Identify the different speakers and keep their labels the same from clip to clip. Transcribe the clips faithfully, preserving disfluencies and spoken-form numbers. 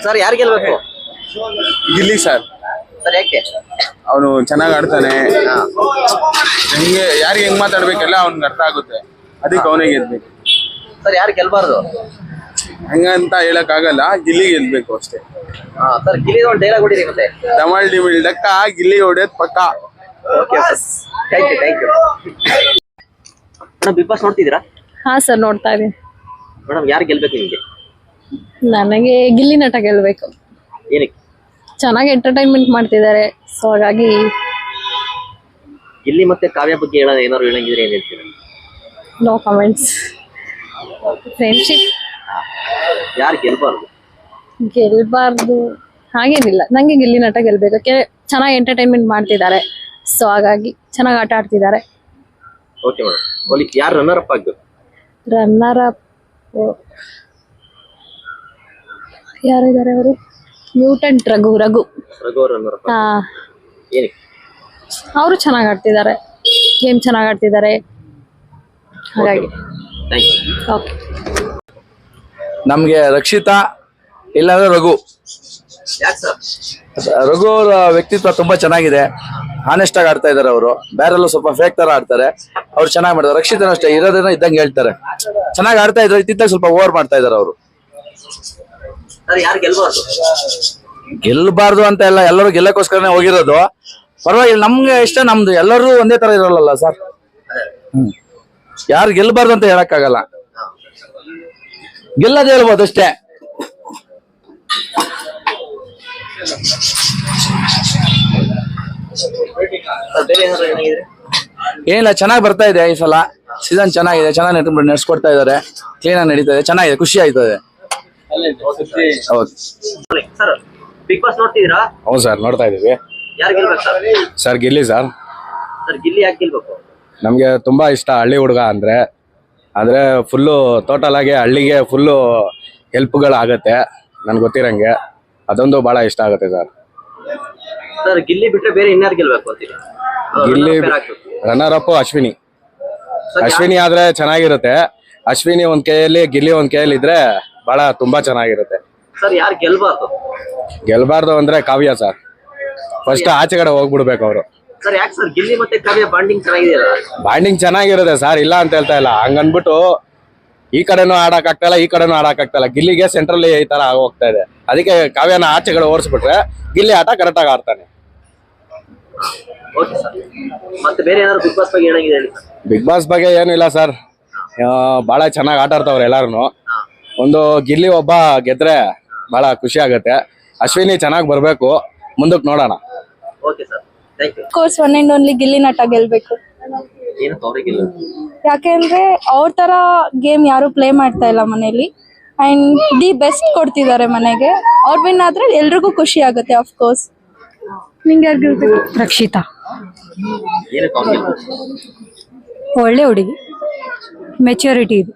Speaker 1: Sir ಯಾರು ಗೆಲ್ಬೇಕು?
Speaker 2: Gilli sir.
Speaker 1: Sir ಯಾಕೆ?
Speaker 2: ಅವನು ಚೆನ್ನಾಗಿ ಆಡ್ತಾನೆ, ಹೆಂಗೆ ಯಾರಿಗೆ ಹೆಂಗ್ ಮಾತಾಡ್ಬೇಕೆಲ್ಲ ಅವ್ನಿಗೆ ಅರ್ಥ ಆಗುತ್ತೆ, ಅದಕ್ಕೆ ಅವನೇ ಗೆಲ್ಬೇಕು.
Speaker 1: ಸರ್ ಯಾರು ಗೆಲ್ಬಾರ್ದು?
Speaker 2: ಹಂಗಂತ ಹೇಳಕ್ ಆಗಲ್ಲ, ಗಿಲ್ಲಿ ಗೆಲ್ಬೇಕು ಅಷ್ಟೇ.
Speaker 1: ಹಾ ಸರ್, ಗಿಲ್ಲಿ ಒಂದು ಡೈಲಾಗ್ ಹೊಡಿರಿ ಮತ್ತೆ.
Speaker 2: ಡಮಲ್ ಡಿಮಿಲ್ ಡಕ್ಕ, ಗಿಲ್ಲಿ ಹೊಡೆಯೋದ್ ಪಕ್ಕ.
Speaker 1: Okay sir, thank you thank you. Madam big boss ನೋಡ್ತಿದ್ದೀರಾ?
Speaker 3: ಹಾ ಸರ್, ನೋಡ್ತಾ ಇದೀನಿ.
Speaker 1: ಮೇಡಮ್ ಯಾರು ಗೆಲ್ಬೇಕು ನಿಮಗೆ?
Speaker 3: ನನಗೆ ಗಿಲ್ಲಿ ನಟ ಗೆಲ್ಬೇಕು.
Speaker 1: ಏನಕ್ಕೆ?
Speaker 3: ಚೆನ್ನಾಗಿ ಎಂಟರ್ಟೈನ್ಮೆಂಟ್ ಮಾಡ್ತಿದ್ದಾರೆ, ಸೊ ಹಾಗಾಗಿ
Speaker 1: ಗಿಲ್ಲಿ ಮತ್ತೆ ಕಾವ್ಯ ಬಗ್ಗೆ ಹೇಳ ಏನಾದ್ರು ಹೇಳಂಗಿದ್ರೆ ಏನ್ ಹೇಳ್ತೀರಾ?
Speaker 3: No comments. ಫ್ರೆಂಡ್ಶಿಪ್.
Speaker 1: ಯಾರು ಗೆಲ್ಬಾರ್ದು?
Speaker 3: ಗೆಲ್ಬಾರ್ದು ಹಾಗೇನಿಲ್ಲ, ನಂಗೆ ಗಿಲ್ಲಿ ನಟ ಗೆಲ್ಬೇಕು. ಚೆನ್ನಾಗಿ ಎಂಟರ್ಟೈನ್ಮೆಂಟ್ ಮಾಡ್ತಿದ್ದಾರೆ, ಸೊ ಹಾಗಾಗಿ ಚೆನ್ನಾಗಿ ಆಟ ಆಡ್ತಿದ್ದಾರೆ.
Speaker 1: ಓಕೆ ಮೇಡಮ್, ಓಲಿ ಯಾರು ರನ್ನರ್ ಅಪ್ ಆಗ್ಬೇಕು?
Speaker 3: ರನ್ನರ್ ಅಪ್ ಯಾರಿದ್ದಾರೆ ಅವರು? Mutant Raghu Raghu
Speaker 1: Raghu runner up.
Speaker 3: ಹಾ,
Speaker 1: ಏನಕ್ಕೆ?
Speaker 3: ಅವರು ಚೆನ್ನಾಗಿ ಆಡ್ತಿದ್ದಾರೆ, ಗೇಮ್ ಚೆನ್ನಾಗಿ ಆಡ್ತಿದ್ದಾರೆ, ಹಾಗಾಗಿ.
Speaker 1: Thank you.
Speaker 3: ಓಕೆ.
Speaker 4: ನಮ್ಗೆ ರಕ್ಷಿತಾ ಇಲ್ಲಾಂದ್ರೆ ರಘು.
Speaker 1: ಯಾಕೆ ಸರ್?
Speaker 4: ರಘು ಅವರ ವ್ಯಕ್ತಿತ್ವ ತುಂಬಾ ಚೆನ್ನಾಗಿದೆ, ಆನೆಸ್ಟ್ ಆಗಿ ಆಡ್ತಾ ಇದಾರೆ ಅವರು. ಬೇರೆಲ್ಲ ಸ್ವಲ್ಪ ಫೇಕ್ ತರ ಆಡ್ತಾರೆ, ಅವ್ರು ಚೆನ್ನಾಗಿ ಮಾಡ್ತಾರೆ. ರಕ್ಷಿತನ ಅಷ್ಟೇ, ಇರೋದನ್ನ ಇದ್ದಂಗೆ ಹೇಳ್ತಾರೆ, ಚೆನ್ನಾಗಿ ಆಡ್ತಾ ಇದ್ರು. ಇತ್ತಿದ್ದಾಗ ಸ್ವಲ್ಪ ಓವರ್ ಮಾಡ್ತಾ ಇದಾರೆ ಅವರು.
Speaker 1: ಸರ್ ಯಾರು ಗೆಲ್ಬಾರ್ದು?
Speaker 4: ಗೆಲ್ಬಾರ್ದು ಅಂತ ಎಲ್ಲ, ಎಲ್ಲರೂ ಗೆಲ್ಲಕ್ಕೋಸ್ಕರನೇ ಹೋಗಿರೋದು. ಪರವಾಗಿಲ್ಲ, ನಮ್ಗೆ ಇಷ್ಟ, ನಮ್ದು ಎಲ್ಲರೂ ಒಂದೇ ತರ ಇರೋಲ್ಲ ಸರ್. ಹ್ಮ್ ಯಾರು ಗೆಲ್ಬಾರ್ದು ಅಂತ ಹೇಳಕ್ಕಾಗಲ್ಲ, ಗೆಲ್ಲದ ಹೇಳ್ಬೋದು ಅಷ್ಟೇ. ಏನಿಲ್ಲ, ಚೆನ್ನಾಗಿ ಬರ್ತಾ ಇದೆ ಈ ಸಲ ಸೀಸನ್, ಚೆನ್ನಾಗಿದೆ, ಚೆನ್ನಾಗಿ ನಡೆಸ್ಕೊಡ್ತಾ ಇದಾರೆ, ಕ್ಲೀನ್ ಆಗಿ ನಡೀತಾ ಇದೆ, ಚೆನ್ನಾಗಿದೆ, ಖುಷಿ ಆಯ್ತದೆ.
Speaker 1: ಸರ್ ಬಿಗ್ ಬಾಸ್ ನೋಡ್ತಿದ್ದೀರಾ?
Speaker 2: ಹೌದು ಸರ್, ನೋಡ್ತಾ ಇದೀವಿ.
Speaker 1: ಯಾರು ಗೆಲ್ಬೇಕು sir?
Speaker 2: Sir Gilli sir.
Speaker 1: Sir Gilli ಯಾಕೆ ಗೆಲ್ಬೇಕು?
Speaker 2: ನಮ್ಗೆ ತುಂಬಾ ಇಷ್ಟ ಹಳ್ಳಿ ಹುಡುಗ ಅಂದ್ರೆ, ಆದ್ರೆ ಫುಲ್ಲು ಟೋಟಲ್ ಆಗಿ ಹಳ್ಳಿಗೆ ಫುಲ್ಲು ಹೆಲ್ಪ್ಗಳಾಗತ್ತೆ ನನ್ಗೆ ಗೊತ್ತಿರಂಗೆ, ಅದೊಂದು ಬಹಳ ಇಷ್ಟ ಆಗುತ್ತೆ ಸರ್.
Speaker 1: ಸರ್ ಗಿಲ್ಲಿ ಬಿಟ್ರೆ ಬೇರೆ ಇನ್ಯಾರು ಗೆಲ್ಬೇಕು ಅಂತೀರಿ?
Speaker 2: Gilli runner up Ashwini. ಅಶ್ವಿನಿ ಆದ್ರೆ ಚೆನ್ನಾಗಿರುತ್ತೆ. ಅಶ್ವಿನಿ ಒಂದ್ ಕೈಯಲ್ಲಿ, ಗಿಲ್ಲಿ ಒಂದ್ ಕೈಯಲ್ಲಿ ಇದ್ರೆ ಬಹಳ ತುಂಬಾ ಚೆನ್ನಾಗಿರುತ್ತೆ.
Speaker 1: ಸರ್ ಯಾರು ಗೆಲ್ಬಾರ್ದು?
Speaker 2: ಗೆಲ್ಬಾರ್ದು ಅಂದ್ರೆ ಕಾವ್ಯ ಸರ್. ಫಸ್ಟ್ ಆಚೆ ಕಡೆ ಹೋಗ್ಬಿಡ್ಬೇಕು ಅವರು.
Speaker 1: ಸರ್ ಯಾಕೆ ಸರ್? ಗಿಲ್ಲಿ ಮತ್ತೆ ಕಾವ್ಯ ಬಾಂಡಿಂಗ್ ಚೆನ್ನಾಗಿದೆಯಲ್ಲ?
Speaker 2: ಬಾಂಡಿಂಗ್ ಚೆನ್ನಾಗಿರುತ್ತೆ ಸರ್, ಇಲ್ಲ ಅಂತ ಹೇಳ್ತಾ ಇಲ್ಲ. ಹಂಗನ್ಬಿಟ್ಟು ಈ ಕಡೆನೂ ಆಡಕ್ ಆಗ್ತಾ ಇಲ್ಲ, ಈ ಕಡೆನೂ ಆಡಕ್ ಆಗ್ತಾ ಇಲ್ಲ. ಗಿಲ್ಲಿಗೆ ಸೆಂಟ್ರಲ್ಲಿ ಈ ತರ ಹೋಗ್ತಾ ಇದೆ, ಅದಕ್ಕೆ ಕಾವ್ಯನ ಆಚೆಗಳು ಓಡಿಸ್ಬಿಟ್ರೆ ಗಿಲ್ಲಿ ಆಟ ಕರೆಕ್ಟ್ ಆಗಿ ಆಡ್ತಾನೆ.
Speaker 1: ಓಕೆ ಸರ್, ಮತ್ತೆ ಬೇರೆ ಏನಾದ್ರು ಬಿಗ್ ಬಾಸ್ ಬಗ್ಗೆ ಹೇಳಂಗಿದೆ ಹೇಳಿ ಸರ್.
Speaker 2: ಬಿಗ್ ಬಾಸ್ ಬಗ್ಗೆ ಏನಿಲ್ಲ ಸರ್, ಬಹಳ ಚೆನ್ನಾಗಿ ಆಟ ಆಡ್ತಾವ್ರೆ ಎಲ್ಲಾರು. ಒಂದು ಗಿಲ್ಲಿ ಒಬ್ಬ ಗೆದ್ರೆ ಬಹಳ ಖುಷಿ ಆಗತ್ತೆ. ಅಶ್ವಿನಿ ಚೆನ್ನಾಗಿ ಬರ್ಬೇಕು, ಮುಂದಕ್ಕೆ ನೋಡೋಣ.
Speaker 1: Okay sir, thank you.
Speaker 5: Course one and only Gilli Nata ಗೆಲ್ಬೇಕು.
Speaker 1: ಏನು ಅವ್ರಿಗೆ ಗೆಲ್ಲ?
Speaker 5: ಯಾಕೆಂದ್ರೆ ಅವ್ರ ತರ ಗೇಮ್ ಯಾರು ಪ್ಲೇ ಮಾಡ್ತಾ ಇಲ್ಲ ಮನೇಲಿ, ಅಂಡ್ ದಿ ಬೆಸ್ಟ್ ಕೊಡ್ತಿದ್ದಾರೆ ಮನೆಗೆ. ಅವ್ರ ವಿನ್ ಆದ್ರೆ ಎಲ್ರಿಗೂ ಖುಷಿ ಆಗುತ್ತೆ. Of course. ನಿಂಗೆ ಯಾರು ಗೆಲ್ಬೇಕು?
Speaker 3: ರಕ್ಷಿತಾ.
Speaker 1: ಏನಕ್ಕೆ ಅವ್ರು ಗೆಲ್ಬೇಕು?
Speaker 3: ಒಳ್ಳೆ ಹುಡುಗಿ, ಮೆಚ್ಯೂರಿಟಿ ಇದೆ.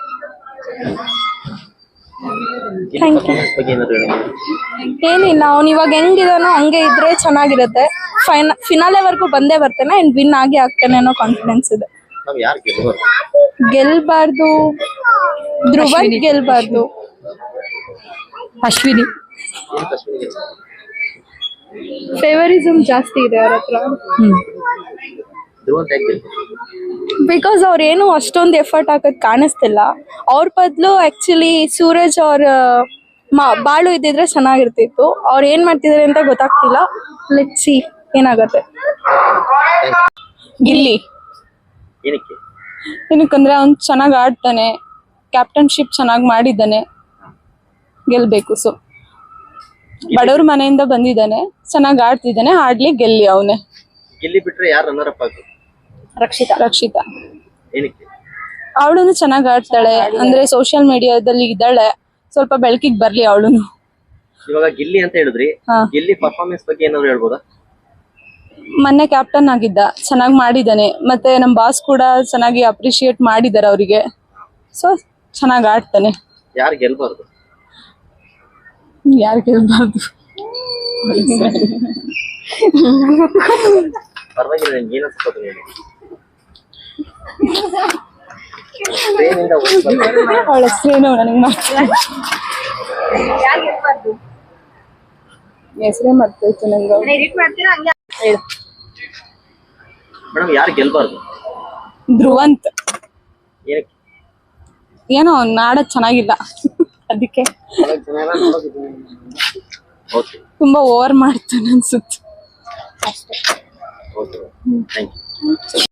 Speaker 5: Thank you.
Speaker 1: ಬಗ್ಗೆ ಏನಾದ್ರು ಹೇಳಂಗಿದೆ?
Speaker 5: ಏನಿಲ್ಲ, ಅವ್ನು ಇವಾಗ ಹೆಂಗಿದಾನೋ ಹಂಗೆ ಇದ್ರೆ ಚೆನ್ನಾಗಿರುತ್ತೆ. ಫೈನ ಫಿನಾಲೆವರೆಗೂ ಬಂದೇ ಬರ್ತಾನೆ ಅಂಡ್ ವಿನ್ ಆಗಿ ಆಗ್ತಾನೆ ಅನ್ನೋ ಕಾನ್ಫಿಡೆನ್ಸ್ ಇದೆ.
Speaker 1: ನಾವ್ ಯಾರು ಗೆಲ್ಬಾರ್ದು?
Speaker 5: ಗೆಲ್ಬಾರ್ದು ಧ್ರುವ ಗೆಲ್ಬಾರ್ದು.
Speaker 3: ಅಶ್ವಿನಿ.
Speaker 1: ಏನಕ್ಕೆ ಅಶ್ವಿನಿ ಗೆಲ್ಬಾರ್ದು?
Speaker 5: ಫೇವರಿಸಮ್ ಜಾಸ್ತಿ ಇದೆ ಅವ್ರ ಹತ್ರ.
Speaker 1: ಧ್ರುವ ಅಂತ ಯಾಕೆ ಗೆಲ್ಬೇಕು?
Speaker 5: ಬಿಕಾಸ್ ಅವ್ರೇನು ಅಷ್ಟೊಂದು ಎಫರ್ಟ್ ಹಾಕೋದ್ ಕಾಣಿಸ್ತಿಲ್ಲ. ಅವ್ರ ಬದಲು ಆಕ್ಚುಲಿ ಸೂರಜ್ ಅವ್ರ ಬಾಳು ಇದ್ದಿದ್ರೆ ಚೆನ್ನಾಗಿರ್ತಿತ್ತು. ಅವ್ರು ಏನ್ ಮಾಡ್ತಿದಾರೆ ಅಂತ ಗೊತ್ತಾಗ್ತಿಲ್ಲ. ಲೆಟ್ ಸಿ ಏನಾಗತ್ತೆ. ಗಿಲ್ಲಿ.
Speaker 1: ಏನಕ್ಕೆ?
Speaker 5: ಏನಕ್ಕಂದ್ರೆ ಅವ್ನು ಚೆನ್ನಾಗಿ ಆಡ್ತಾನೆ, ಕ್ಯಾಪ್ಟನ್ಶಿಪ್ ಚೆನ್ನಾಗಿ ಮಾಡಿದ್ದಾನೆ, ಗೆಲ್ಬೇಕು. ಸೊ ಬಡವ್ರ ಮನೆಯಿಂದ ಬಂದಿದ್ದಾನೆ, ಚೆನ್ನಾಗಿ ಆಡ್ತಿದ್ದಾನೆ, ಆಡ್ಲಿ, ಗೆಲ್ಲಿ ಅವನೇ.
Speaker 1: ಗಿಲ್ಲಿ ಬಿಟ್ರೆ ಯಾರು ರನ್ನರ್ ಅಪ್ ಆಗ್ಬೇಕು?
Speaker 5: ರಕ್ಷಿತಾ. ರಕ್ಷಿತಾ
Speaker 1: ಏನಕ್ಕೆ?
Speaker 5: ಅವಳು ಚೆನ್ನಾಗಿ ಆಡ್ತಾಳೆ, ಅಂದ್ರೆ ಸೋಷಿಯಲ್ ಮೀಡಿಯಾದಲ್ಲಿ ಇದ್ದಾಳೆ, ಸ್ವಲ್ಪ ಬೆಳಕಿಗೆ ಬರ್ಲಿ ಅವಳುನು.
Speaker 1: ಇವಾಗ ಗಿಲ್ಲಿ ಅಂತ ಹೇಳಿದ್ರಿ, ಗಿಲ್ಲಿ ಪರ್ಫಾರ್ಮೆನ್ಸ್ ಬಗ್ಗೆ ಏನಾದ್ರು ಹೇಳ್ಬೋದಾ?
Speaker 5: ಮೊನ್ನೆ ಕ್ಯಾಪ್ಟನ್ ಆಗಿದ್ದ, ಚೆನ್ನಾಗಿ ಮಾಡಿದ್ದಾನೆ. ಮತ್ತೆ ನಮ್ ಬಾಸ್ ಕೂಡ ಚೆನ್ನಾಗಿ ಅಪ್ರಿಶಿಯೇಟ್ ಮಾಡಿದ್ದಾರೆ ಅವರಿಗೆ. ಸೊ ಚೆನ್ನಾಗಿ ಆಡ್ತಾನೆ.
Speaker 1: ಯಾರು ಗೆಲ್ಬಾರ್ದು?
Speaker 5: ಯಾರು ಗೆಲ್ಬಾರ್ದು?
Speaker 1: ಪರವಾಗಿಲ್ಲ, ನಿಮ್ಗೆ ಏನು ಅನ್ಸ್ಬೋದು ಹೇಳಿ.
Speaker 5: ಅವಳ ಹೆಸರೇನು ನನಗೆ ಮಾತ್ರ. ಹೆಸರೇ ಮರ್ತೋಯ್ತು ನಂಗೆ ಅವ್ರು. ಹೇಳು.
Speaker 1: ಮೇಡಮ್ ಯಾರು ಗೆಲ್ಬಾರ್ದು?
Speaker 5: ಧ್ರುವಂತ್
Speaker 1: ಏನಕ್ಕೆ?
Speaker 5: ಏನೋ ನಾಡೋದ್ ಚೆನ್ನಾಗಿಲ್ಲ ಅದಕ್ಕೆ
Speaker 1: ಓಕೆ
Speaker 5: ತುಂಬಾ ಓವರ್ ಮಾಡ್ತಾನೆ ಅನ್ಸುತ್ತೆ.
Speaker 1: Okay thank you.